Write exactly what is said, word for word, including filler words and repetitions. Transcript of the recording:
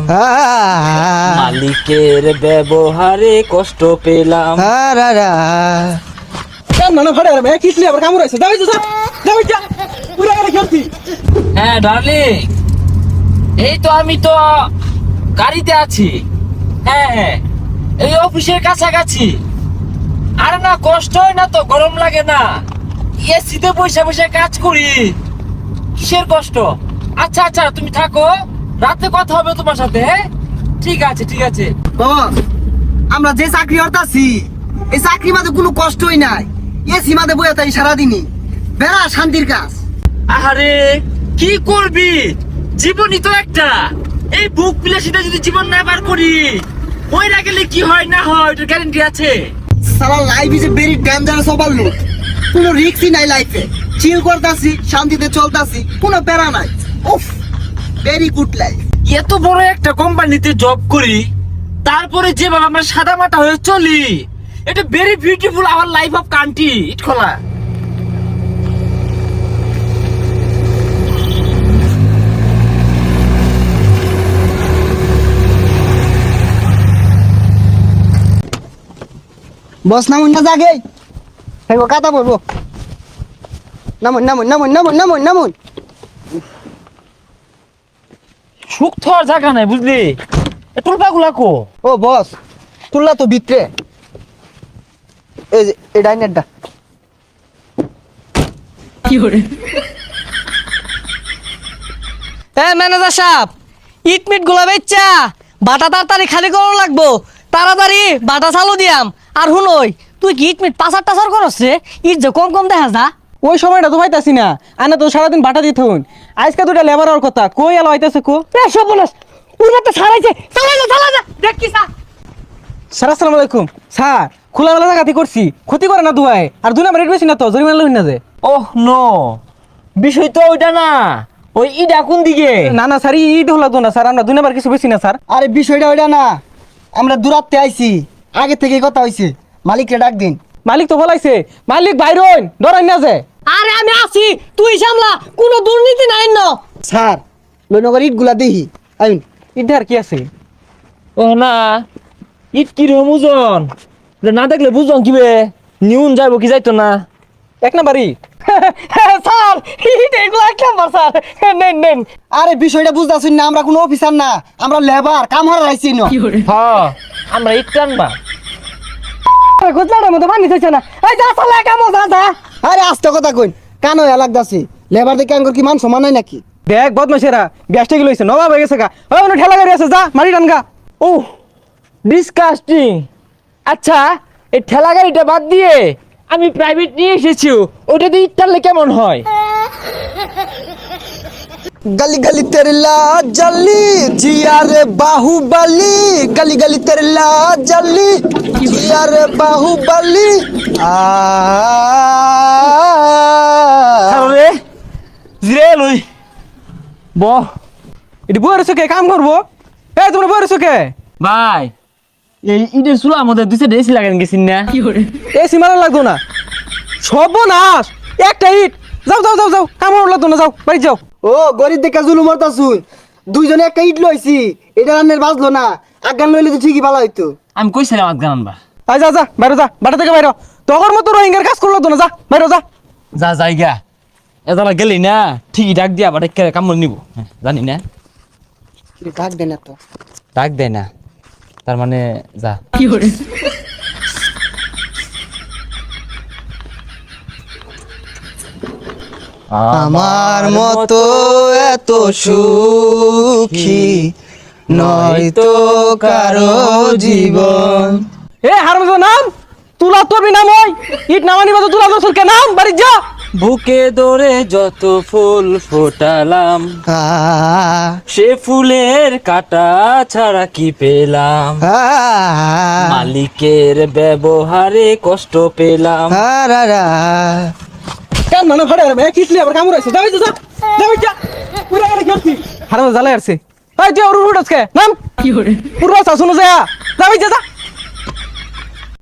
মালিকের ব্যবহারে কষ্ট পেলাম। হ্যাঁ ডার্লিং, এই তো আমি তো গাড়িতে আছি। হ্যাঁ হ্যাঁ, এই অফিসের কাছাকাছি। আরে না, কষ্ট হয় না তো, গরম লাগে না, এসিতে বসে বসে কাজ করি, কিসের কষ্ট? আচ্ছা আচ্ছা, তুমি থাকো, রাতে কথা হবে তোমার সাথে। হ্যাঁ ঠিক আছে ঠিক আছে। বস, আমরা যে চাকরি করতাছি এই চাকরি মাঝে কোনো কষ্টই নাই। এসি মাঝে বইয়া তাই সারাদিনই বেড়া শান্তির কাজ। আরে কি করবি, জীবনই তো একটা। এই বুক বিলাসিতা যদি জীবন না বার করি, মইরা গেলে কি হয় না হয় ওটার গ্যারান্টি আছে? সারা life is a very dangerous overload. কোনো রিস্কই নাই লাইফে। চিল করতাছি, শান্তিতে চলতাছি, কোনো প্যারা নাই। উফ, ভেরি গুড লাইফ। এত বড় একটা কোম্পানিতে জব করি, তারপরে যেভাবে আমরা সাদা মাটা হয়ে চলি, এটা very beautiful our life of country. ইট খোলা বস নামুন না জাগে, হেগো কাতা বলবো। নামুন নামুন নামুন নামুন নামুন নামুন। সুখ তো আর জায়গা নাই, বুঝলি? টুলপা গুলা কো? ও বস, তুললা তো ভিতরে। এই যে এই ডাইনেরটা। কি করে? এ ম্যানেজার সাহেব, ইট মিট গুলা বেচ্চা বাটা তাড়াতাড়ি খালি করা লাগবো। তাড়াতাড়ি বাটা চালু দিয়াম। আর হুনই, তুই কি ইট মিট পাচার টাচার করছ রে? ইট যে কম কম দেখা যা। ওই সময়টা তো পাইতাছি না, আনা তো সারাদিন বাটা দিতে হন। আজকে দুটা লেবার আর কথা কই এলো হইতাছে কো? এ সবনাশ, উড়াতে ছাড়াইছে। চালাই যা চালাই যা, দেখ কি সা। স্যার আসসালামু আলাইকুম। স্যার খোলামেলা জায়গাতে করছি, ক্ষতি করে না দুয়াই। আর দুই নাম্বার রেট বেশি না তো, জরিমানা লইন না যে। ওহ নো, বিষয় তো ওইটা না। ওই ইডা কোন দিকে? না না স্যার, ঈদ হলো তো না স্যার, আমরা দুই নাম্বার কিছু বেশি না স্যার। আরে বিষয়টা ওইটা না, আমরা দূরাত্তে আইছি, আগে থেকেই কথা হইছে। মালিককে ডাক দিন। মালিক তো বলাইছে, মালিক বাইরন ডরাই না যে। আরে আমি আছি, তুই সামলা, কোনো দুর্নীতি নাই ন। স্যার লইনগর ইটগুলা দেখি আইন। ঈদ আর কি আছে? ও না, ইট কি রকম ওজন, না দেখলে বুঝলাম কিবে নিউন যাইব কি যাইতো না। এক নাম্বার ঈদ। স্যার ইট এগুলো এক নাম্বার স্যার, নেন নেন। আরে বিষয়টা বুঝতাছুন না, আমরা কোনো অফিসার না, আমরা লেবার, কাম হারা রাইছি না। কি করে? হ্যাঁ, আমরা ইট টানবা। গোজলাটার মধ্যে পানি খাইছে না। এই যা চালা কামো যা যা। আরে আস্তে কথা কইন, কান হয়ে লাগতাছে। লেবার দেখে আঙ্গুর কি মান সমান নাই নাকি? দেখ বদমাইশেরা, গ্যাসটা কি লইছে, নবাব হয়ে গেছে গা। ওই ওখানে ঠেলা গাড়ি আছে, যা মারি টান গা। ও ডিসকাস্টিং। আচ্ছা, এই ঠেলা গাড়িটা বাদ দিয়ে আমি প্রাইভেট নিয়ে এসেছি, ওটা দিয়ে ইট টানলে কেমন হয়? गली गली तेरे ला जली जिया रे बाहुबली, गली गली तेरे ला जली जिया रे बाहुबली। রে জিরে লই ব। এটি বইয়ের চোখে কাম করবো। এই তোমরা বইয়ের চোখে ভাই, এই ইটের চুলা আমাদের দুই সাইডে এসি লাগান গেছিন না? কি করে? এই সীমানা লাগতো না, সর্বনাশ। একটা ইট, যাও যাও যাও যাও, কাম লাগতো না, যাও বাড়ি যাও। ও গরিব দেখে জুলুম করতাছুন, দুইজনে একটা ইট লইছি, এটা রান্নের বাজলো না, আগান লইলে তো ঠিকই ভালো হইতো। আমি কইছিলাম আজগান আনবা। আয় যা যা বাইরে যা, বাটা থেকে বাইরে। তখন মতো রোহিঙ্গার কাজ করলো তো না, যা বাইরে যা। যা জায়গা এদালা গেলি না, ঠিকই ডাক দিয়া বাটে কামড় নিব। হ্যাঁ, জানি না ডাক দেন তো, ডাক দেয় না, তার মানে যা। কি করে? আমার মতো এত সুখী নয়তো কারো জীবন। এ হারমজাদা নাম, তুলা তোরবি নাম, ওই ইট নামানি বাজো, তুলা তোর কে নাম, বাড়ি যা। বুকে দরে যত ফুল ফোটালাম, সে ফুলের কাটা ছাড়া কি পেলাম? মালিকের ব্যবহারে কষ্ট পেলাম। কেন মানে ফাড়ে আরে কিসলি আবার কামড় আছে, যাই যা যাই যা। পুরা গাড়ি খেলছি, হারমজাদা জ্বালাই আসছে। এই যে ওর উড়ছকে নাম কি করে? পুরা শাসন যা, যাই যা যা।